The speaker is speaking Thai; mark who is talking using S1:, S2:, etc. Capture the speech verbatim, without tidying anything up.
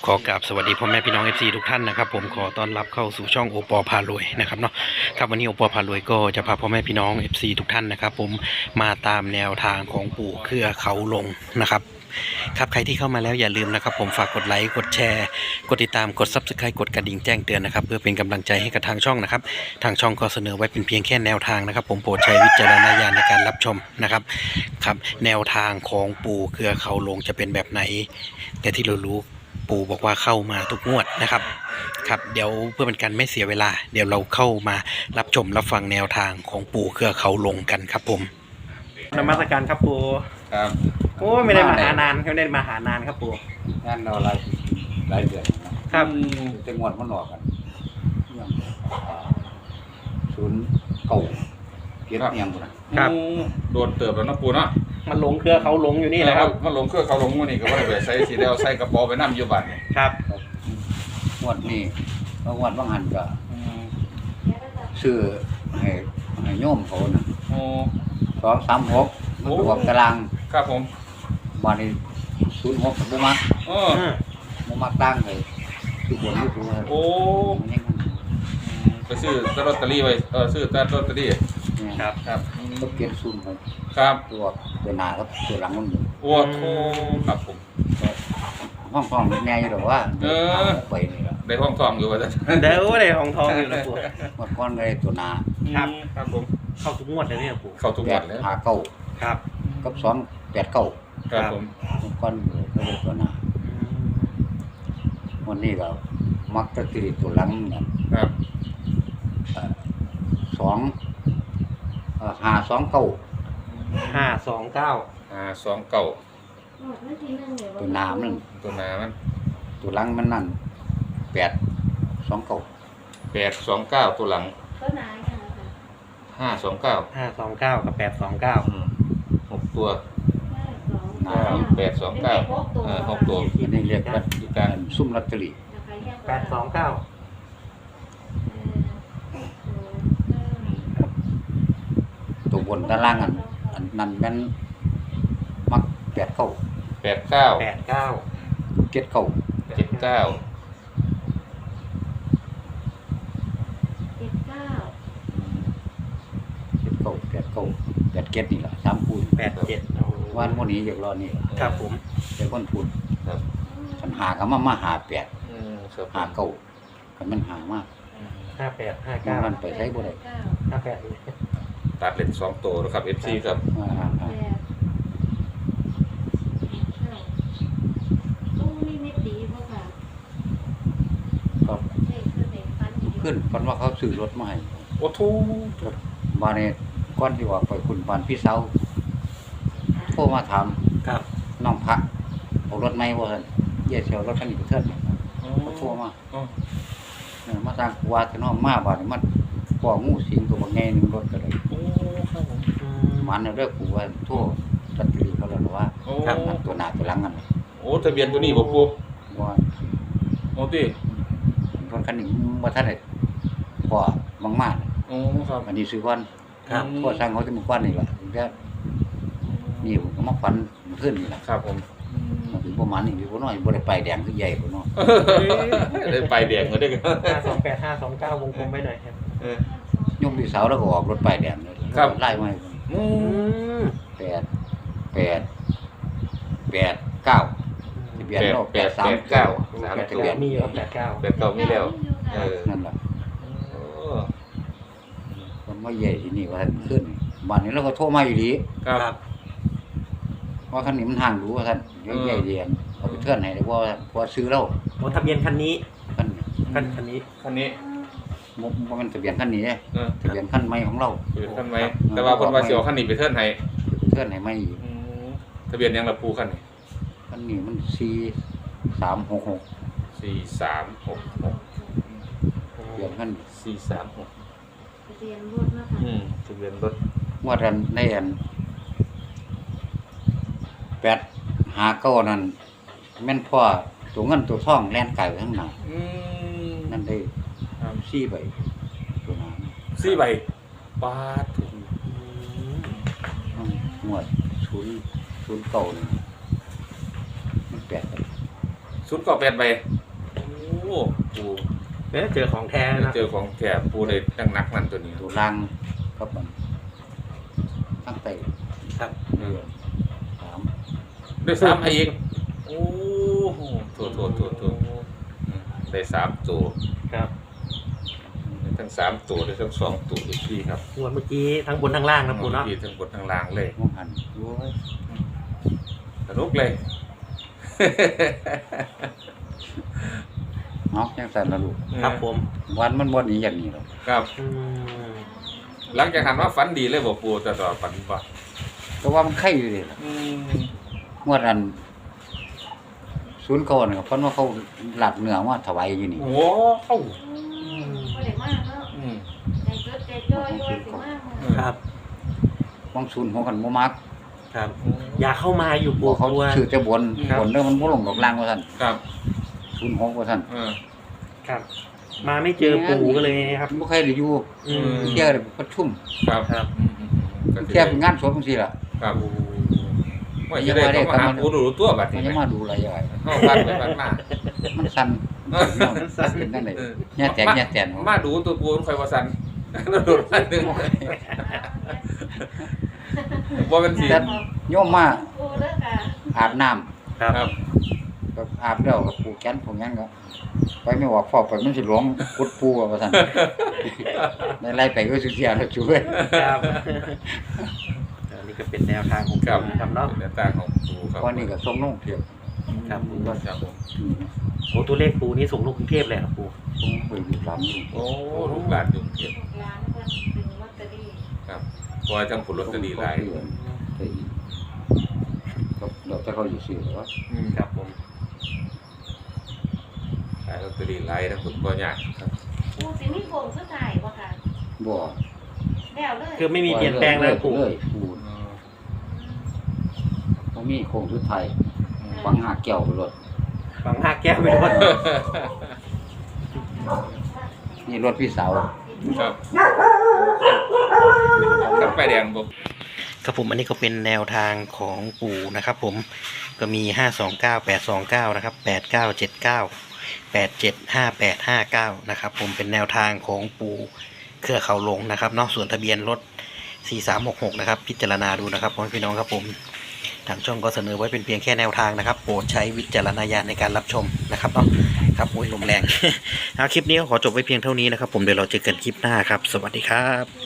S1: ขอกราบสวัสดีพ่อแม่พี่น้อง เอฟ ซี ทุกท่านนะครับผมขอต้อนรับเข้าสู่ช่องโอปอพารวยนะครับเนาะครับวันนี้โอปอพารวยก็จะพาพ่อแม่พี่น้อง เอฟ ซี ทุกท่านนะครับผมมาตามแนวทางของปู่เครือเขาลงนะครับครับใครที่เข้ามาแล้วอย่าลืมนะครับผมฝากกดไลค์กดแชร์กดติดตามกด ซับสไครบ์ กดกระดิ่งแจ้งเตือนนะครับเพื่อเป็นกำลังใจให้กับทางช่องนะครับทางช่องก็เสนอไว้เป็นเพียงแค่แนวทางนะครับผมโปรดใช้วิจารณญาณในการรับชมนะครับครับแนวทางของปู่เครือเขาลงจะเป็นแบบไหนแต่ที่เรารู้ปู่บอกว่าเข้ามาทุกงวดนะครับครับเดี๋ยวเพื่อเป็นการไม่เสียเวลาเดี๋ยวเราเข้ามารับชมรับฟังแนวทางของปู่เครือเขาลงกันครับผมนมัสการครับปู่
S2: ครับ
S1: โอ้ไม่ได้มาหานานไม่ได้มาหานานครับปู่
S2: งานเราหลายหลายเดือนนะครับจะงวดมันหลอกกันศูนย์เก่าเกียรติยังบุนะครับ
S3: โดนเติบแล้วนะปูเนาะ
S1: มันลงเครือเขาลงอยู่นี่แหละครับ
S3: มันลงเครือเขาลงวันนี้ก็ว่าไปใส่สีเดียวใส่กระเป๋าไปนั่งอยู่บ้าน
S1: ครับ
S2: งวดนี้งวดบางหันก็ซื้อให้ให้โยมเขานะสองสามหกมันรวมตาราง
S3: ครับผม
S2: มาในศูนย์หกบุมักบุมักตั้งเลยคือบนที่ถูกโอ้
S3: ไปซื้อลอตเตอรี่ไว้เออซื้อลอตเตอรี่
S2: ครับครับก็เก็บศูนย์หก
S3: ครับ
S2: ตัวตัวหน้าครับตัวหลังมัน
S3: โอ้โหครับผม
S2: ห้องทองแน่อยู่หรอว่า
S3: เออ
S2: ไปนี่แหละ
S3: ได้ห้องทองอยู่ว่าจะ
S1: เดี๋ยวได้ห้องทองอยู่นะปู่
S2: หมดก้อนเลยตัวหน้า
S1: ครับ
S3: ครับผม
S1: เข้าทุกงวดเลยเนี่ยปู่
S3: เข้าทุกงวดเลย
S2: หาเก้า
S1: ครับ
S2: กับสองแปดเก้า
S3: ครับผม
S2: ก้อนก็เลยตัวหน้าวันนี้เรามักจะติดตัวหลัง
S3: นะครับ
S2: สองห้าสองเก้า
S1: ห้าสองเก้า
S3: ห้าสองเก้า
S2: ตัวหน้ามัน
S3: ตัวหน้ามัน
S2: ตัวหลังมันนั่นแปดสองเก้า
S3: แปดสองเก้าตัวหลังห้าสองเก้า
S1: ห้าสองเก้ากับแปดสองเก้า
S3: หกตัวแปดสองเก้าเออหกตัว
S2: อันนี้เรียกว่าการซุ่มลอตเตอรี่
S1: แปดสองเก้า
S2: ตัวบนด้านล่างอันอันนั้นมันมักแปดเก้า
S3: แปดเก้า
S1: แปดเก้า
S2: เจ็ดเก้า
S3: เจ็ดเก้า
S2: เจ็ดเก้าเจ็ดเก้าแปดเก้าแปดเจ็ดนี่แหละสามคูณ
S1: แปดเจ็ด
S2: วันวันนี้อย่างรอนี่
S1: ครับผม
S2: เป็นคนพูดฉันหากันมามาหาแปดหาเก้ากันมันหามาก
S1: ห้าแปดห้าเก้า
S2: มันไปใช้บ่ได้
S1: ห้าแปด
S3: ตัดเลนสองตัวนะครับ เอฟ ซี ครับ
S2: ขึ้นฟันว่าเขาซื้อรถมาให้
S3: โอ้ทู
S2: มาในก้อนที่ว่าไปคุณบ้านพี่เสาโทรมาถาม
S1: ครับ
S2: น้องพระเอารถไหมว่าเยี่ยเชียวรถคันนี้ไปเทิดเขาโทรมาเนี่ยมาสร้างว่าจะน้องมาบ้านมันก่องูสิงตัวบางแง่นึงรถก็เลยมันเรื่องกูว่าโทษตัดตีเขาเลยว่าตัวหน้าตัวหลังกัน
S3: โอ้ทะเบียนตัวนี้บ่ปู
S2: ว่า
S3: โอ้ตี
S2: รถคันนี้ว่าท่านเลยพอบางมาก
S3: โอ้ครับ
S2: อันนี้ซื้อก้อนก็สร้างเขาจะมีก้อนนี่แหละแค่นี่ผมมาฟันขึ้นนี่แหละ
S3: ครับผม
S2: มันถึงประมาณนี้พี่พ่อน้อยบ่ได้ไปแดงคือใหญ่พ่อน้อย
S3: ได้ไปแดงก็ได้
S1: ห้าสองแปดห้าสองเก้าวงกลมไว้หน่อยครับ
S2: ยกที่เสาแล้วก็ออกรถไปแดงเลยไล่มาแปดแปดแปดเก้าทะเบียนโลกแปดสามเก้า
S1: ทะเบียนมีแล้วแปดเก้า
S3: แปดเก้ามีแล้วเออ
S2: นั่นแหละมันไม่ใหญ่ที่นี่ว่าท่านขึ้นบ้านนี้เราก็โทรมาอยู่ดี
S3: ครับ
S2: ว่าคันนี้มันห่างรู้ว่าท่านใหญ่เรียนเอาไปเทื่อนไหนเลยว่าพอซื้อแล้ว
S1: โอ้ทะเบียนคันนี้
S2: คัน
S1: คันคันนี้
S3: คันนี้
S2: มันมันทะเบียนคันนี้ทะเบียนคันใหม่ของเรา
S3: ทะเบียนคันใหม่แต่ว่าคนว่าสิเอาคันนี้ไปเทื่อนให้
S2: เทื่อนให้ไม่
S3: ทะเบียนยังละปูคันนี้
S2: คันนี้มันสี่สามหกหก
S3: สี่สามหกหก
S2: ทะเบียนคัน
S3: สี่สามหก
S4: ทะเบียนรถนะคะ
S3: อืมทะเบียนรถ
S2: ว่าท่านในอันแปดหาเก้านั่นแม่นพ่อตัวเงินตัวทองแล่นไก่ข้างหน้านั่นได้สี่ใบตัวน้
S3: ำสี่ใบปาดถูก
S2: หมวดศูนย์ศูนย์เก้ามันแปด
S3: ศูนย์เก้าแปดใบโอ้ปู
S1: เอ๊ะเจอของแท้นะ
S3: เจอของแก่ปูได้ตั้งนักนั่นตัวนี้
S2: ตัวล่างกับมันตั้งแต่
S1: ครับ
S3: เออ
S2: สาม
S3: ได้สามให้อีกโอ้โหโถโถโถโถอืมได้สามตัว
S1: ครับ
S3: ได้ทั้งสามตัวได้ทั้งสองตัวอีกทีครับ
S1: งวดเมื่อกี้ทั้งบนทั้งล่างนะปูเนาะ
S3: ที่ทั้งบนทั้งล่างเลย
S2: มองหันโอ้ย
S3: สนุกเลย
S2: เนาะยังสั่นละลูก
S1: ครับผม
S2: วันมันบ่หนีอย่างนี้หรอก
S3: ครับ
S1: อืม
S3: หลังจากหันว่าฝันดีเลยบอกปูแต่ต่อฝันบ่
S2: แต่ว่ามันไข่อยู่ดิล่ะ
S3: อืม
S2: งวดนั้นศูนย์ก่อนก็เพิ่นว่าเขาหลัดเนื้อมาถวายอยู่นี่
S3: โอ้เอ้า
S4: อืมบ่ได้มากเนาะ
S3: อืม
S4: ใจจดใจจ่อยด้วยสิมากมื้อ
S1: ครับ
S2: บางศูนย์หัวกันบ่มัก
S1: ครับ อยากเข้ามาอยู่ปู
S2: บ่เขา
S1: กลัว
S2: ชื่อแต่บน
S1: ครับ
S2: บนเด้อมันบ่ลงกับล่างว่าซั่น
S3: ครับ
S2: ศูนย์หกว่าซั่น
S3: เออ
S1: ครับ มาไม่เจอปูก็เลยนะครับ
S2: บ่ใครได้อยู่
S1: อืม
S2: เที่ยวได้ประชุม
S3: ครับ
S1: ครับ
S3: อืมอืมอืมก็
S2: เที่ยวเป็นงานศพจังซี่ล่ะ
S3: ครับว่าจะได้เขามาหาปูดูตัวบัด
S2: มัน
S3: นี้
S2: จะ
S3: ไหม
S2: มาดูอะไรใหญ่
S3: เข้าบ้านไปบ้านมา
S2: มันสั่น
S1: มันสั่น
S2: เป็นจังได๋
S3: เออ
S2: แย่แตกแย่แตน
S3: มาดูตัวปูคอยว่าสันโดดมาหนึ่งว่าเป็นสี
S2: แต่โยมมา
S4: ปูเด้อค่ะ
S2: อาบน้ำ
S1: ครับ
S3: ครับ
S2: ก็อาบแล้วก็ผูกแขนผูกหยังก็ไปไม่ว่าฟอกไปมันสิหลวงกุดปูว่าซั่นได้ไล่ไปก็สิเสียแล้วช่วย
S1: ครับอันนี้ก็เป็นแนวทางของ
S3: ครับ
S1: ปูนะครับเนาะ
S3: เป็นแนวทางของปูครับ
S2: วันนี้ก็ส่งน้องเที่ยว
S1: ครับผม
S3: ครับผม
S1: โอ้ตัวเลขปูนี่ส่งลงกรุงเทพเลยครับปู
S2: ส่งไปอยู่หลังอยู่
S3: โอ้ลูกหลานอยู่เทียบ
S4: ร้านเพิ่นเป็นลอตเตอรี่
S3: ครับเพราะว่าจังผลลอตเตอรี่หลาย
S2: ไปอีกก็เดี๋ยวจะเขาอยู่ซื้อว่า
S3: อืม
S1: ครับผม
S3: ขายลอตเตอรี่หลายนะคุณพ่อยากครับ
S4: ปูสิมีโครงสุดท้ายบ่ค่ะ
S2: บ่
S4: แล้วเลย
S1: คือไม่มีเปลี่ยนแปลงเลยปู
S2: เลยปู
S3: อืม
S2: บ่มีโครงสุดท้ายฟังหาแก้วไปรถ
S1: ฝังหักแก้วไปด้วย
S2: นี่รถพี่สาว
S3: ครับครับไฟแดงบ่
S1: ครับผมอันนี้ก็เป็นแนวทางของปู่นะครับผมก็มีห้าสองเก้าแปดสองเก้านะครับแปดเก้าเจ็ดเก้าแปดเจ็ดห้าแปดห้าเก้านะครับผมเป็นแนวทางของปู่เครือเขาหลงนะครับเนาะส่วนทะเบียนรถสี่สามหกหกนะครับพิจารณาดูนะครับพ่อแม่พี่น้องครับผมทางช่องก็เสนอไว้เป็นเพียงแค่แนวทางนะครับโปรดใช้วิจารณญาณในการรับชมนะครับเนาะครับโอ้ยลมแรง เอาคลิปนี้ก็ขอจบไว้เพียงเท่านี้นะครับผมเดี๋ยวเราเจอกันคลิปหน้าครับสวัสดีครับ